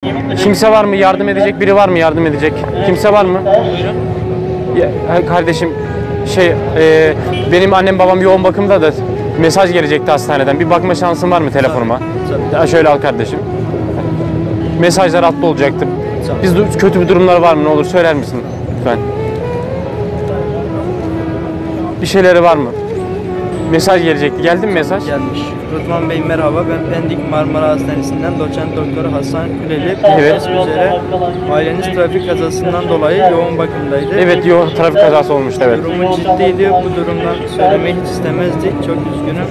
Kimse var mı? Yardım edecek biri var mı? Yardım edecek. Kimse var mı? Ya, kardeşim benim annem babam yoğun bakımda da mesaj gelecekti hastaneden. Bir bakma şansın var mı telefonuma? Ya şöyle al kardeşim. Mesajlar atlı olacaktı. Biz kötü bir durumlar var mı? Ne olur söyler misin lütfen? Bir şeyleri var mı? Mesaj gelecekti. Geldi mi mesaj? Gelmiş. Rıdvan Bey merhaba. Ben Pendik Marmara Hastanesi'nden doçent doktor Hasan Kuleli. Evet. Üzere aileniz trafik kazasından dolayı yoğun bakımdaydı. Evet, trafik kazası olmuştu, evet. Durumu ciddiydi. Bu durumdan söylemeyi hiç istemezdik. Çok üzgünüm.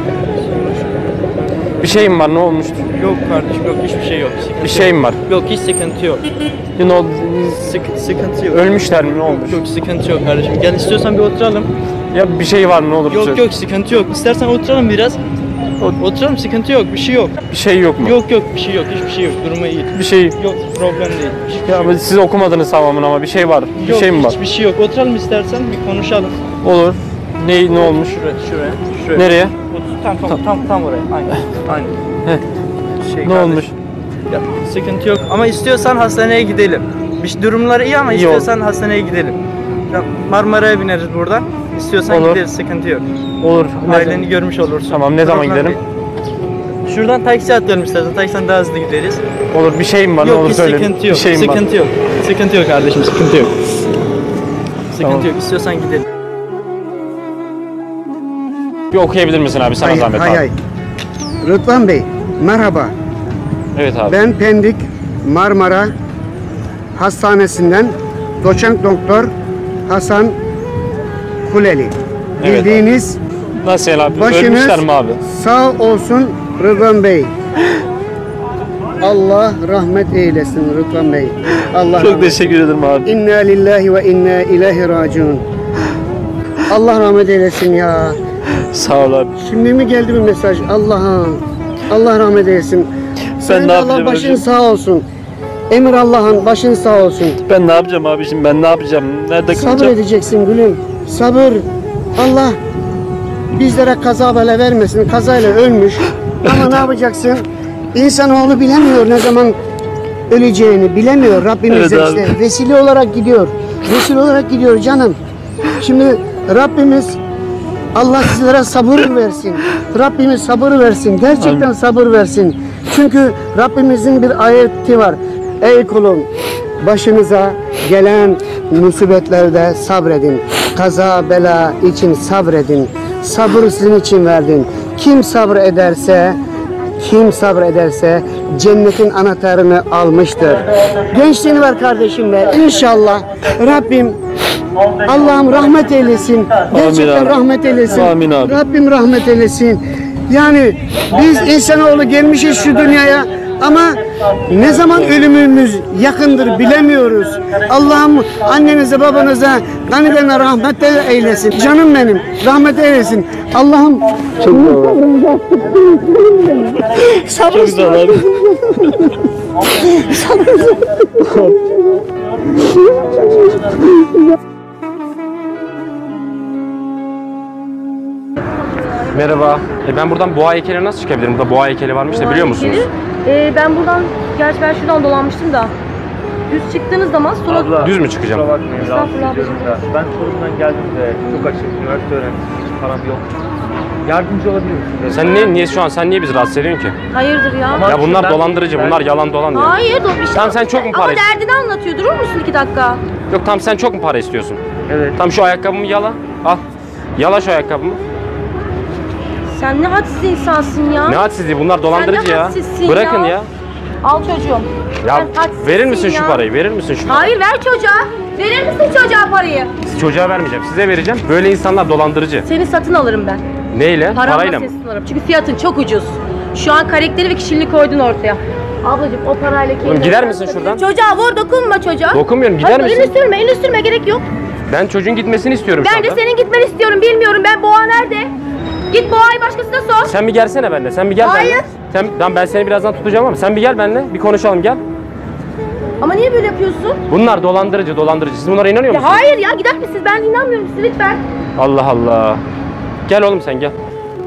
Bir şeyim var, ne olmuştu? Yok kardeşim, yok, hiçbir şey yok. Bir şeyim var. Yok, hiç sıkıntı yok. Sıkıntı yok. Ölmüşler mi, ne olmuş? Yok, sıkıntı yok kardeşim. Gel, istiyorsan bir oturalım. Ya bir şey var mı, ne olur? Yok yok, sıkıntı yok. İstersen oturalım biraz. Oturalım, sıkıntı yok, bir şey yok. Bir şey yok mu? Yok, bir şey yok, hiçbir şey yok. Durumu iyi. Bir şey yok, problem değil. Ya ama siz okumadınız tamamını, ama bir şey var. Bir yok, şey mi var? Hiçbir şey yok. Oturalım istersen, bir konuşalım. Olur. Ne olmuş? Şuraya. Nereye? Tam oraya. Aynen. Ne olmuş? Ya, sıkıntı yok ama istiyorsan hastaneye gidelim. Durumları iyi ama istiyorsan hastaneye gidelim. Ya, Marmara'ya bineriz buradan. İstiyorsan gideriz, sıkıntı yok. Olur. Aileni görmüş olursun. Tamam, ne zaman gidelim? Şuradan taksi atlayalım istersen. Taksiden daha hızlı gideriz. Olur, bir şeyim var, ne olur söyle. Sıkıntı yok. Bir şeyim sıkıntı var. yok. Sıkıntı yok kardeşim, sıkıntı yok. Tamam. Sıkıntı yok. İstiyorsan gidelim. Bir okuyabilir misin abi, sana zahmet abi. Hay. Rıdvan Bey, merhaba. Evet abi. Ben Pendik Marmara Hastanesi'nden doçent doktor Hasan Kuleli. Evet Bildiğiniz Nasıl abi? başınız Ölmüşler mi abi? sağ olsun Rıdvan Bey. Allah rahmet eylesin Rıdvan Bey. Allah Çok rahmet. teşekkür ederim abi. İnna lillahi ve inna ileyhi raciun. Allah rahmet eylesin ya. Sağ ol abi. Şimdi mi geldi bir mesaj? Allah'ım. Allah rahmet eylesin. Sen ne Allah yapacağım başın hocam? sağ olsun. Emir Allah'ın başın sağ olsun. Ben ne yapacağım abiciğim? Ben ne yapacağım? Nerede Sabır kalacağım? edeceksin gülüm. Sabır. Allah bizlere kaza bela vermesin. Kazayla ölmüş. Ama ne yapacaksın? İnsanoğlu bilemiyor ne zaman öleceğini. Bilemiyor. Rabbimiz Evet işte vesile olarak gidiyor. Vesile olarak gidiyor canım. Şimdi Rabbimiz Allah sizlere sabır versin. Rabbimiz sabır versin. Gerçekten Amin. sabır versin. Çünkü Rabbimizin bir ayeti var. Ey kulum, başınıza gelen musibetlerde sabredin. Kaza bela için sabredin. Sabır sizin için verdim. Kim sabrederse cennetin anahtarını almıştır. Gençliğini ver kardeşim be. İnşallah Rabbim Allah'ım rahmet eylesin. Gerçekten rahmet eylesin. Amin abi. Rabbim rahmet eylesin. Yani biz insanoğlu gelmişiz şu dünyaya ama ne zaman ölümümüz yakındır bilemiyoruz. Allah'ım annenize babanıza ganilerine rahmet eylesin. Canım benim rahmet eylesin. Allah'ım çok güzel abi. Merhaba. Ben buradan boğa heykeline nasıl çıkabilirim? Burada boğa heykeli varmış da biliyor musunuz? Ben buradan, gerçi ben şuradan dolanmıştım da. Düz çıktığınız zaman sola... Düz mü çıkacağım? Kusura bakmayın, Estağfurullah rahatsız ediyorum da. Ben Çorum'dan geldim de çok açık, üniversite öğrencisiyim, hiç param yok. Yardımcı olabilir misiniz? Sen niye bizi rahatsız ediyorsun ki? Hayırdır ya? Ya bunlar dolandırıcı, bunlar yalan dolan diyor. Hayır, Tamam, sen çok mu para Ama istiyorsun? derdini anlatıyor. Durur musun 2 dakika? Yok tamam, sen çok mu para istiyorsun? Evet. Tamam, şu ayakkabımı yala. Al. Yala şu ayakkabımı. Sen ne hadsiz insansın ya. Ne hadsizliği, bunlar dolandırıcı Sen ne ya. hadsizsin Bırakın ya. Al çocuğum. Ya Sen hadsizsin verir misin şu ya. parayı? Verir misin şu parayı? Hayır, ver çocuğa. Verir misin çocuğa parayı? Çocuğa vermeyeceğim, size vereceğim. Böyle insanlar dolandırıcı. Seni satın alırım ben. Neyle? Paramla Parayla mı? seni satın alırım. Çünkü fiyatın çok ucuz. Şu an karakteri ve kişiliğini koydun ortaya. Ablacığım o parayla kendine... Oğlum gider misin şuradan? Çocuğa vur, dokunma çocuğa. Dokunmuyorum, gider misin? Elini sürme, gerek yok. Ben çocuğun gitmesini istiyorum şu Ben de anda. senin gitmeni istiyorum, bilmiyorum ben boğa nerede? Git boğayı başkasına sor. Sen bir gelsene benimle, sen bir gel Hayır. benimle. Tamam, ben seni birazdan tutacağım ama sen bir gel benimle, bir konuşalım, gel. Ama niye böyle yapıyorsun? Bunlar dolandırıcı. Siz bunlara inanıyor Ya musunuz? hayır ya, gider misiniz? Ben inanmıyorum size, lütfen. Allah Allah. Gel oğlum sen gel.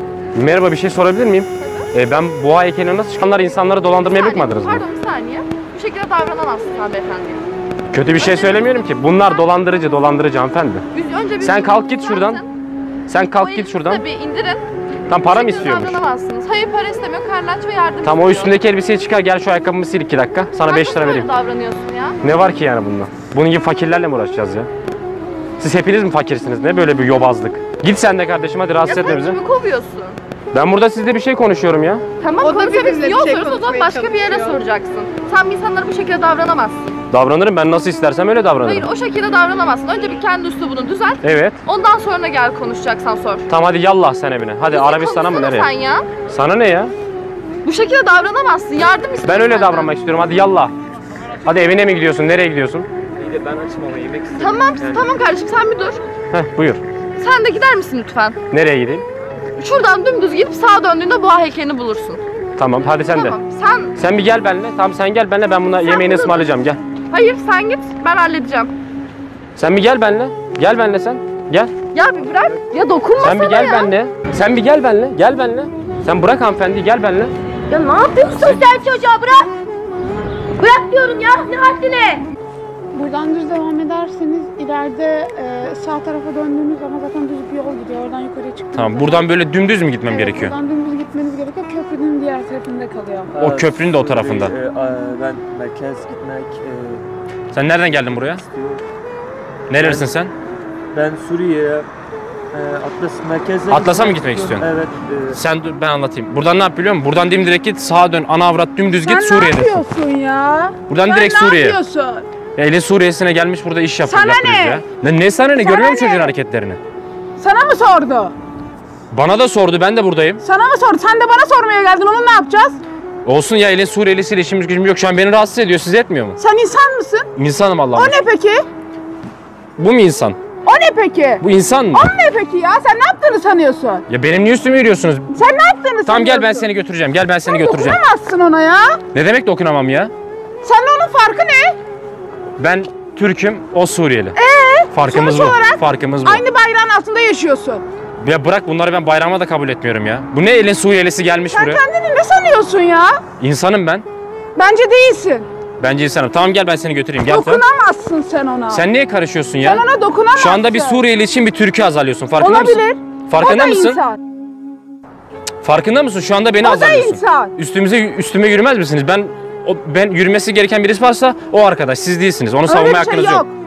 Merhaba, bir şey sorabilir miyim? Ben boğa heykeline nasıl çıkanlar insanları dolandırmaya bakmadınız mı? Pardon bir saniye. şekilde davranamazsın sen beyefendiye. Kötü bir şey söylemiyorum ki. Bunlar dolandırıcı hanımefendi. Önce Sen kalk git şuradan. Sen kalk git şuradan. Tabii indirin. Tam para mı istiyormuş? Davranamazsınız. Hayır para istemiyor. Karnı aç ve yardım Tam o istiyor. üstündeki elbiseyi çıkar, gel şu ayakkabımı sil 2 dakika. Sana 5 lira vereyim. Nasıl davranıyorsun ya? Ne var ki yani bunda? Bunun gibi fakirlerle mi uğraşacağız ya? Siz hepiniz mi fakirsiniz? Ne böyle bir yobazlık? Git sen de kardeşim, hadi rahatsız etme bizi. Kimi kovuyorsun? Ben burada sizle bir şey konuşuyorum ya. Tamam O da konuşabilirsin. bizimle bir Yol şey soruyorsa o zaman konuşmaya başka bir yere çalışıyor. soracaksın. Sen insanlara bu şekilde davranamazsın. Davranırım, ben nasıl istersem öyle davranırım. Hayır o şekilde davranamazsın. Önce bir kendi üslubunu düzelt. Evet. Ondan sonra gel konuşacaksan sor. Tamam hadi yallah sen evine. Hadi Bizi Arabistan'a mı konuşsana nereye? Sen ya. Sana ne ya? Bu şekilde davranamazsın. Yardım istiyorum. Ben öyle senden. davranmak istiyorum. Hadi yallah. Hadi evine mi gidiyorsun? Nereye gidiyorsun? İyi de ben açım ama yemek istiyorum. Tamam, tamam kardeşim sen bir dur. Heh buyur. Sen de gider misin lütfen? Nereye gideyim? Şuradan dümdüz gidip sağa döndüğünde boğa heykelini bulursun. Tamam hadi sen Tamam. de. Sen Sen bir gel benimle. Tamam sen gel benimle, ben buna yemeğini burada ısmarlayacağım. Gel. hayır sen git ben halledeceğim. Sen bir gel benimle. Gel benimle sen. Gel. Ya bir bırak. Ya dokunma Sen bir sana gel ya. benimle. Sen bir gel benimle. Gel benimle. Sen bırak hanımefendi, gel benimle. Ya ne yapıyorsun sen çocuğa, bırak. Bırak diyorum ya, ne haddine. Buradan düz devam ederseniz ileride sağ tarafa döndüğünüz zaman zaten düz bir yol gidiyor. Oradan yukarıya çıktığınız Tamam buradan böyle dümdüz mü gitmem gerekiyor? Buradan dümdüz gitmeniz gerekiyor. Köprünün diğer tarafında kalıyor. O köprünün de o tarafında. Ben merkez gitmek Sen nereden geldin buraya? istiyorum. Nerelisin sen? Ben Suriye'ye Atlas merkeze Atlas'a mı gitmek istiyorsun? Evet. Sen dur ben anlatayım. Buradan ne yap biliyor musun? Buradan dimdirek git, sağa dön, ana avrat dümdüz git, Sen ne Suriye'desin. yapıyorsun ya? Buradan Sen direkt ne Suriye'ye. yapıyorsun? Ya elin Suriye'sine gelmiş burada iş Sana yapıyoruz ne? ya. Ne sana ne? Sana Görmüyor musun ne? çocuğun hareketlerini? Sana mı sordu? Bana da sordu, ben de buradayım. Sana mı sordu? Sen de bana sormaya geldin. Onu ne yapacağız? Olsun ya, elin Suriyelisiyle işimiz gücümüz yok. Şu an beni rahatsız ediyor, sizi etmiyor mu? Sen insan mısın? İnsanım Allah'ım. O ne peki? Bu mu insan? O ne peki? Bu insan mı? O ne peki ya? Sen ne yaptığını sanıyorsun? Ya benim niye üstüme yürüyorsunuz? Sen ne yaptığını sanıyorsun? Tamam gel ben seni götüreceğim. Gel ben seni Sen götüreceğim. dokunamazsın ona ya. Ne demek dokunamam ya? Seninle onun farkı ne? Ben Türk'üm, o Suriyeli. Farkımız sonuç bu. olarak Farkımız bu. Aynı bayrağın altında yaşıyorsun. Ya bırak bunları, ben bayrama da kabul etmiyorum ya. Bu ne elin Suriyelisi gelmiş Sen buraya? kendini ne sanıyorsun ya? İnsanım ben. Bence değilsin. Bence insanım. Tamam gel ben seni götüreyim. Gel sen. Dokunamazsın sen ona. Sen niye karışıyorsun ya? Sen ona dokunamazsın. Şu anda bir Suriyeli için bir Türk'ü azarlıyorsun. Farkında Olabilir. mısın? Farkında o da mısın? insan. Farkında mısın? Şu anda beni O da azarlıyorsun. insan. Üstüme yürümez misiniz? Ben yürümesi gereken birisi varsa o arkadaş. Siz değilsiniz. Onu savunma Öyle bir hakkınız şey yok. yok.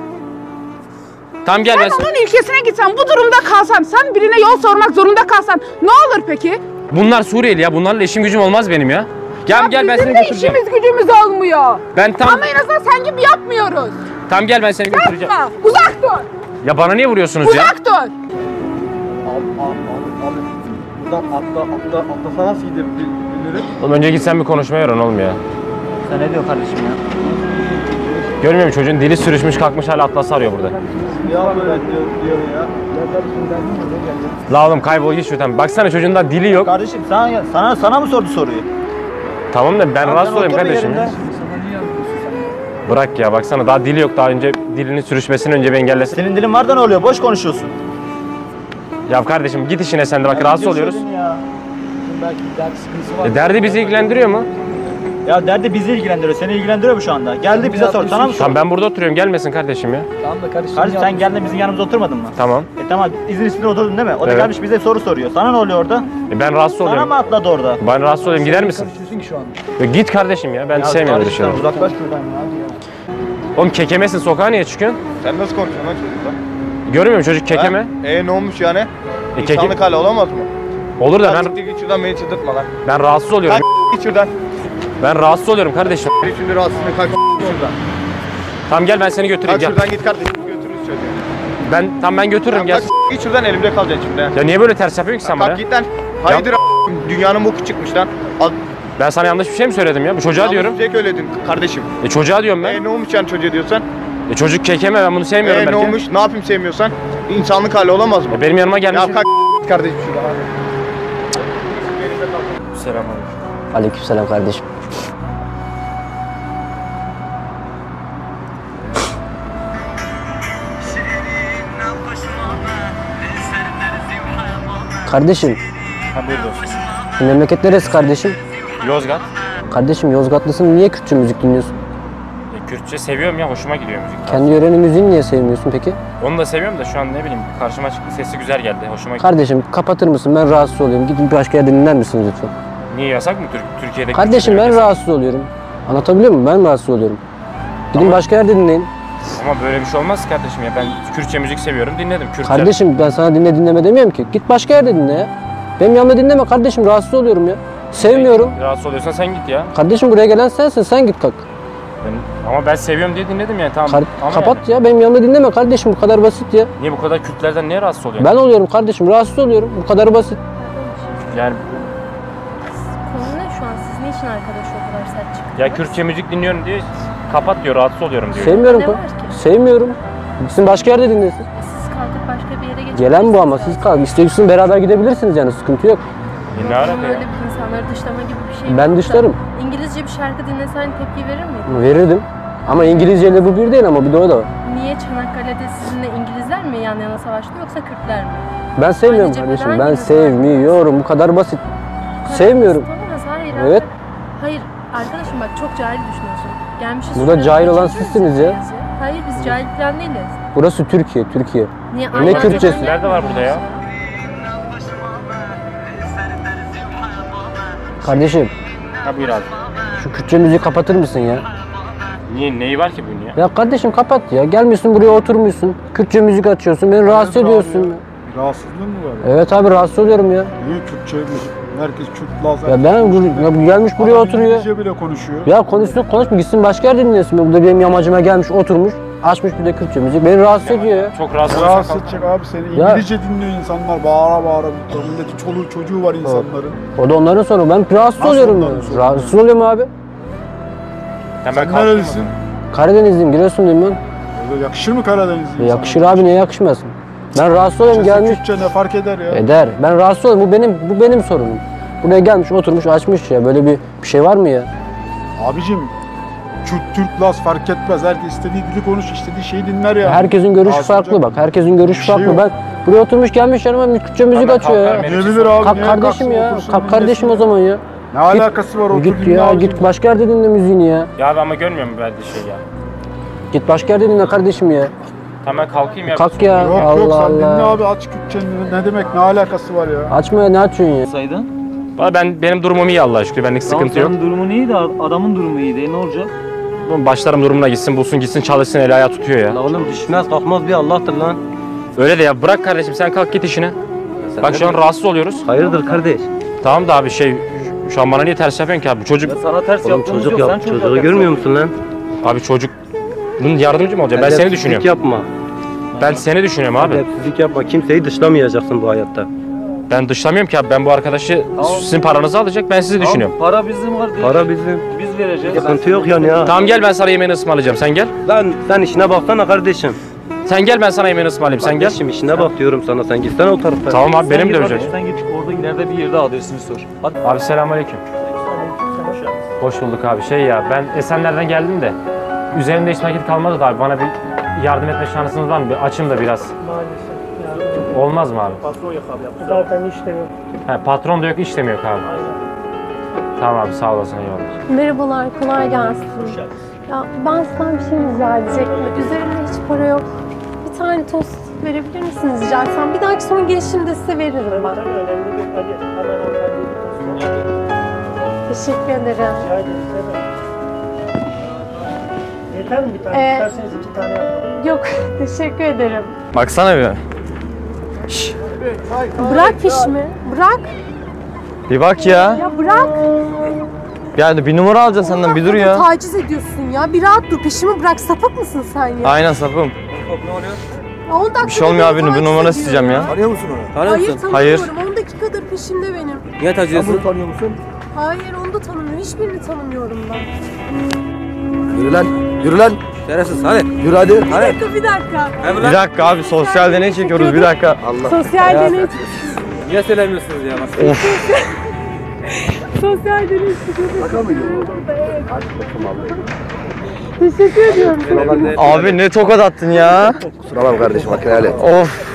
Tamam gel Sen ben. onun ülkesine gitsen, bu durumda kalsan, sen birine yol sormak zorunda kalsan ne olur peki? Bunlar Suriyeli ya. Bunlarla işim gücüm olmaz benim ya. Gel ben Bizim seni de götüreceğim. işimiz gücümüz olmuyor. Ben tam Ama en azından sen gibi yapmıyoruz. tam gel ben seni götüreceğim. Yapma. Uzak dur. Ya bana niye vuruyorsunuz ya? Uzak dur. Abi. Buradan atlasa nasıl gidebilirim? Oğlum önce git sen bir konuşmaya öğren oğlum ya. Sen ne diyorsun kardeşim ya? Görmüyor musun çocuğun dili sürüşmüş kalkmış hala Atlas'ı arıyor burada. Ya böyle diyor ya. Ya kardeşim ben de La oğlum kaybol git şuradan. Baksana çocuğun da dili yok. Kardeşim sana mı sordu soruyu? Tamam da ben rahatsız olayım kardeşim ya. Bırak ya baksana daha dili yok, daha önce dilinin sürüşmesini önce bir engellesin. Senin dilin var da ne oluyor? Boş konuşuyorsun. Ya kardeşim git işine sen de bak rahatsız oluyoruz. Ya. Belki dert sıkıntısı var. Derdi bizi ilgilendiriyor mu? Ya derdi bizi ilgilendiriyor. Seni ilgilendiriyor mu şu anda? Geldi bize sor. Sana mı sor? Tamam ben burada oturuyorum, gelmesin kardeşim ya. Tamam da kardeşim sen geldin bizim yanımıza oturmadın mı? Tamam. Tamam izin üstünde oturdun değil mi? O da Evet. gelmiş bize soru soruyor. Sana ne oluyor orada? Ben rahatsız Sana oluyorum. mı atladı orada? Ben rahatsız olayım, gider misin? ki şu an? Ya git kardeşim ya, ben sevmiyorum böyle şeyleri. Uzaklaş şuradan ya. Oğlum kekemesin, sokağa niye çıkıyorsun? Sen nasıl konuşuyorsun lan çocukla? Görmüyor musun çocuk kekeme? Ha? Ne olmuş yani? Keke- İnsanlık hali olamaz mı? Olur da Lan siktir git şuradan beni çıldırtma lan. ben rahatsız oluyorum. Kalk git şuradan. Ben rahatsız oluyorum kardeşim. Beni şimdi rahatsızlığı kalk şuradan. Tamam gel ben seni götüreyim Kalk gel. şuradan git kardeşim götürürüz çocuğu. Ben götürürüm gel. Kalk git şuradan elimde kalacaksın şimdi. ha. Ya niye böyle ters yapıyorsun ki sen bana? Kalk git lan. Hayırdır dünyanın boku çıkmış lan. Al. Ben sana yanlış bir şey mi söyledim ya? Bu çocuğa diyorum. Tek öyledin kardeşim. Çocuğa diyorum ben. Ne olmuş yani çocuğa diyorsan? Çocuk kekeme, ben bunu sevmiyorum Ne belki. olmuş? Ne yapayım sevmiyorsan? İnsanlık hali olamaz mı? Benim yanıma gelmiş. Ya kalk git kardeşim şuradan hadi. Selamünaleyküm. Aleykümselam kardeşim. Kardeşim, Ha buyur dostum. memleket neresi kardeşim? Yozgat. Kardeşim Yozgatlısın, niye Kürtçe müzik dinliyorsun? Kürtçe seviyorum ya, hoşuma gidiyor müzik. Kendi yörenin müziğini niye sevmiyorsun peki? Onu da seviyorum da şu an ne bileyim karşıma çıktı, sesi güzel geldi, hoşuma gitti. Kardeşim kapatır mısın? Ben rahatsız oluyorum. Gidin başka yerde dinler misiniz lütfen? Niye yasak mı Türkiye'de? Kardeşim ben rahatsız oluyorum. Anlatabiliyor muyum? Ben rahatsız oluyorum. Gidin başka yerde dinleyin. Ama böyle bir şey olmaz kardeşim ya. Ben Kürtçe müzik seviyorum, dinledim. Kürtçe. Kardeşim ben sana dinleme demiyorum ki. Git başka yerde dinle ya. Benim yanımda dinleme kardeşim. Rahatsız oluyorum ya. Sevmiyorum. Rahatsız oluyorsan sen git ya. Kardeşim buraya gelen sensin. Sen git kalk. Ama ben seviyorum diye dinledim yani, tamam. Ama Kapat yani. ya. Benim yanımda dinleme kardeşim. Bu kadar basit ya. Niye bu kadar Kürtlerden niye rahatsız oluyorsun? Ben oluyorum kardeşim. Rahatsız oluyorum. Bu kadar basit. Yani Konu ne şu an? Siz niçin arkadaş o kadar sert çıktınız? ya Kürtçe müzik dinliyorum diye kapat diyor, rahatsız oluyorum diyor. Sevmiyorum. Ne var ki? Sevmiyorum. Gitsin başka yerde dinlesin. Siz kalkıp başka bir yere geçebilirsiniz. Gelen bu ama siz kalk. İstiyorsanız beraber gidebilirsiniz yani. Sıkıntı yok. Ne alaka Öyle ya? bir insanları dışlama gibi bir şey Ben yok da. dışlarım. İngilizce bir şarkı dinlesen tepki verir miydin? Verirdim. Ama İngilizceyle bu bir değil ama bir de o da var. Niye Çanakkale'de sizinle İngilizler mi yan yana savaştı yoksa Kürtler mi? Ben sevmiyorum Aynı kardeşim. cepheden Ben gibi sevmiyorum. Bu kadar basit. Sevmiyorum. Olamaz, hayır. Evet. Hayır arkadaşım bak çok cahil düşünüyorsun. Gelmişiz. Burada şuraya, cahil olan geçeceğiz sizsiniz ya. İngilizce. Hayır biz cahil falan değiliz. Burası Türkiye, Türkiye. Niye? Ne Aynı Kürtçesi? cepheden Nerede var burada ya? Kardeşim Ha buyur abi. şu Kürtçe müziği kapatır mısın ya? Niye, neyi var ki bunun ya? Ya kardeşim kapat ya. Gelmiyorsun buraya oturmuyorsun. Kürtçe müzik açıyorsun. Beni rahatsız ediyorsun. Rahatsızlığın mı var ya? Evet abi rahatsız oluyorum ya. Niye Kürtçe müzik? Herkes Kürt, Laz. Ya bu gelmiş buraya oturuyor. İngilizce bile konuşuyor. Ya konuşma gitsin başka yerde dinlesin. Burada benim yamacıma gelmiş oturmuş. Açmış bir de Kürtçe müzik. Beni rahatsız ediyor ya. Çok rahatsız Rahatsız olursan edecek abi seni. Ya. İngilizce dinliyor insanlar. Bağıra bağıra. Milletin çoluğu çocuğu var insanların. O da onların sorunu. Ben rahatsız Nasıl oluyorum onların ya. sorunu? Rahatsız oluyorum abi. hemen Sen kalkayım. nerelisin? Karadenizliyim, Giresunluyum ben. Öyle yakışır mı Karadenizli Yakışır abi, niye yakışmaz? Ben rahatsız oluyorum gelmiş. Kürtçe ne fark eder ya? Eder. Ben rahatsız oluyorum. Bu benim sorunum. Buraya gelmiş, oturmuş, açmış ya. Böyle bir şey var mı ya? Abicim Kürt, Türk, Laz fark etmez. Herkes istediği dili konuş, istediği şeyi dinler ya. Herkesin görüşü Rahatsız farklı olacak bak. Herkesin görüşü bir şey farklı. yok. Ben buraya oturmuş gelmiş yanıma Kürtçe müzik Hemen açıyor kalkar ya. benim. Diyebilir abi. Kalk niye kardeşim kalksın, ya. otursun, Kalk kardeşim o dinlesin zaman ya. Ne alakası var? Otur Git dinle ya, abicim. git başka yerde dinle müziğini ya. Ya abi ama görmüyor musun verdiği şey ya? Git başka yerde dinle kardeşim ya. Hemen kalkayım ya. Kalk ya. Yok Allah yok sen dinle Allah. abi aç Kürtçe ne demek ne alakası var ya? Açma ya, ne açıyorsun ya? Saydın. Valla benim durumum iyi Allah'a şükür. Benlik sıkıntı yok. Senin durumun iyi de adamın durumu iyi değil. Ne olacak? Başlarım durumuna gitsin, bulsun gitsin, çalışsın, eli ayağı tutuyor ya. La oğlum düşmez kalkmaz bir Allah'tır lan. Öyle de ya, bırak kardeşim sen kalk git işine. Bak şu an rahatsız oluyoruz. Hayırdır kardeş? Tamam da abi şu an bana niye ters yapıyorsun ki abi? Bu çocuk, Sana ters Oğlum yaptığımız çocuk yok. yap. Sen çocuğa Çocuğu ters görmüyor yapıyorsun. musun lan? abi çocuk bunun yardımcı mı olacak? Ben seni düşünüyorum. yapma. Ben seni düşünüyorum abi. Edepsizlik yapma. Kimseyi dışlamayacaksın bu hayatta. Ben dışlamıyorum ki abi. Ben bu arkadaşı sizin paranızı alacak, ben sizi düşünüyorum. Para bizim kardeş. Para bizim. Biz vereceğiz. Sıkıntı yok yani ya. Tamam gel, ben sana yemeğini ısmarlayacağım, sen gel. Lan sen işine baksana kardeşim. Sen gel, ben sana yemeğini ısmarlayayım, sen gel. Kardeşim işine bak diyorum sana, sen gitsene o tarafa. Tamam abi, benim de Sen ölecek. git, sen git orada ileride bir yerde adresini sor. Hadi. Abi selamünaleyküm. Hoş bulduk abi. Ben Esenler'den geldim de üzerimde hiç nakit kalmadı da abi, bana bir yardım etme şansınız var mı? Bir açın da biraz. Maalesef. Olmaz mı abi? Patron yok abi. Zaten işte yok. He, patron da yok, iş de mi yok abi? Tamam abi, sağ olasın, eyvallah. Merhabalar, kolay gelsin. Ya ben sizden bir şey rica edecektim. Üzerimde hiç para yok. Bir tane tost verebilir misiniz rica etsem? Bir dahaki son gelişimde size veririm ben. Tabii önemli değil. Hadi hemen hanımefendi. Teşekkür ederim. Rica ederim. Yeter mi bir tane? İsterseniz 2 tane yapalım. Yok, teşekkür ederim. Baksana bir. Bırak fişimi, bırak. Bir bak ya. Ya bırak. Yani bir numara alacaksın senden, bir dur ya. Taciz ediyorsun ya. Bir rahat dur, peşimi bırak. Sapık mısın sen ya? Aynen sapım. Ya 10 dakika Bir şey olmuyor abi, bir numara isteyeceğim ya. Tanıyor musun onu? Hayır, Hayır. tanımıyorum. 10 dakikadır peşimde benim. Niye taciyorsun? Tanıyor musun? Hayır, onu da tanımıyorum. Hiçbirini tanımıyorum ben. Yürü lan, yürü lan. Şerefsiz hadi. Yürü hadi. Bir dakika, bir dakika. Bir dakika abi, sosyal deney çekiyoruz, bir dakika. Sosyal deney. Niye söylemiyorsunuz ya? Of. Sosyal deney. Şaka mıydı? Teşekkür ediyorum. Abi ne tokat attın ya. Kusura bakma kardeşim, makineli. Of.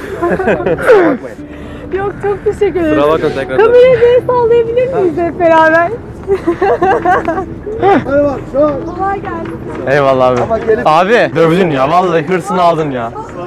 Yok, çok teşekkür ederim. Kusura bakma tekrar. Kamerayı bir sallayabilir miyiz hep beraber? Kolay gelsin. Eyvallah abi. Abi dövdün ya vallahi hırsını aldın ya.